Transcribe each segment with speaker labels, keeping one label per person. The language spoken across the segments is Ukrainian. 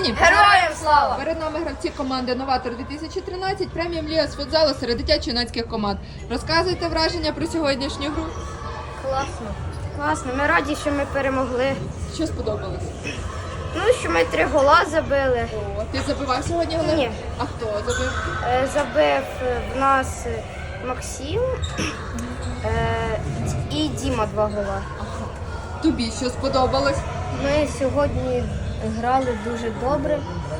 Speaker 1: Україні!
Speaker 2: Героям слава!
Speaker 1: Перед нами гравці команди «Новатор 2013», преміум ліга з футзалу серед дитячо-юнацьких команд. Розказуйте враження про сьогоднішню гру.
Speaker 2: Класно. Класно. Ми раді, що ми перемогли.
Speaker 1: Що сподобалось?
Speaker 2: Ну, що ми 3 гола забили.
Speaker 1: О, ти забивав сьогодні голи?
Speaker 2: Ні.
Speaker 1: А хто забив?
Speaker 2: Забив в нас Максим і Діма 2 гола.
Speaker 1: Тобі що сподобалось?
Speaker 2: Ми сьогодні грали дуже добре.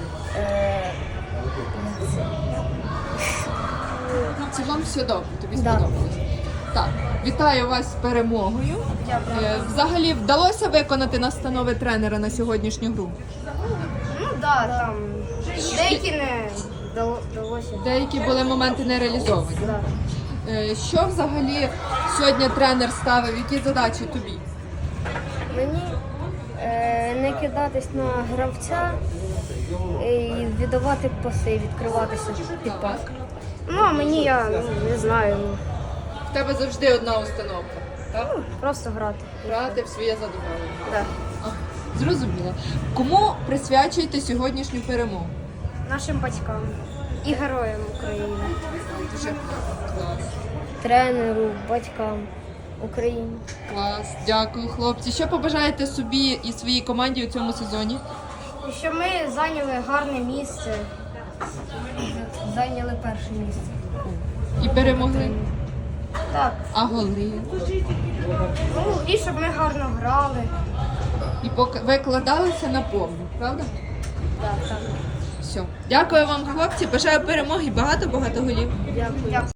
Speaker 1: В цілому все добре, тобі
Speaker 2: Да.
Speaker 1: сподобалось. Так, вітаю вас з перемогою. Взагалі вдалося виконати настанови тренера на сьогоднішню гру?
Speaker 2: Ну так, там деякі не вдалося.
Speaker 1: Деякі були моменти не реалізовані.
Speaker 2: Да.
Speaker 1: Що взагалі сьогодні тренер ставив, які задачі тобі?
Speaker 2: Мені не кидатись на гравця і віддавати паси, відкриватися під пас. Ну, а мені я не знаю.
Speaker 1: В тебе завжди одна установка, так?
Speaker 2: Просто грати.
Speaker 1: Грати в своє задоволення.
Speaker 2: Да.
Speaker 1: Зрозуміло. Кому присвячуєте сьогоднішню перемогу?
Speaker 2: Нашим батькам і героям України.
Speaker 1: Дуже клас.
Speaker 2: Тренеру, батькам України.
Speaker 1: Клас, дякую, хлопці. Що побажаєте собі і своїй команді у цьому сезоні?
Speaker 2: І що ми зайняли гарне місце. Зайняли перше місце.
Speaker 1: І перемогли.
Speaker 2: Так.
Speaker 1: А голи?
Speaker 2: Ну, і щоб ми гарно грали.
Speaker 1: І викладалися на повну, правда?
Speaker 2: Так, так.
Speaker 1: Все. Дякую вам, хлопці. Бажаю перемоги, багато голів.
Speaker 2: Дякую.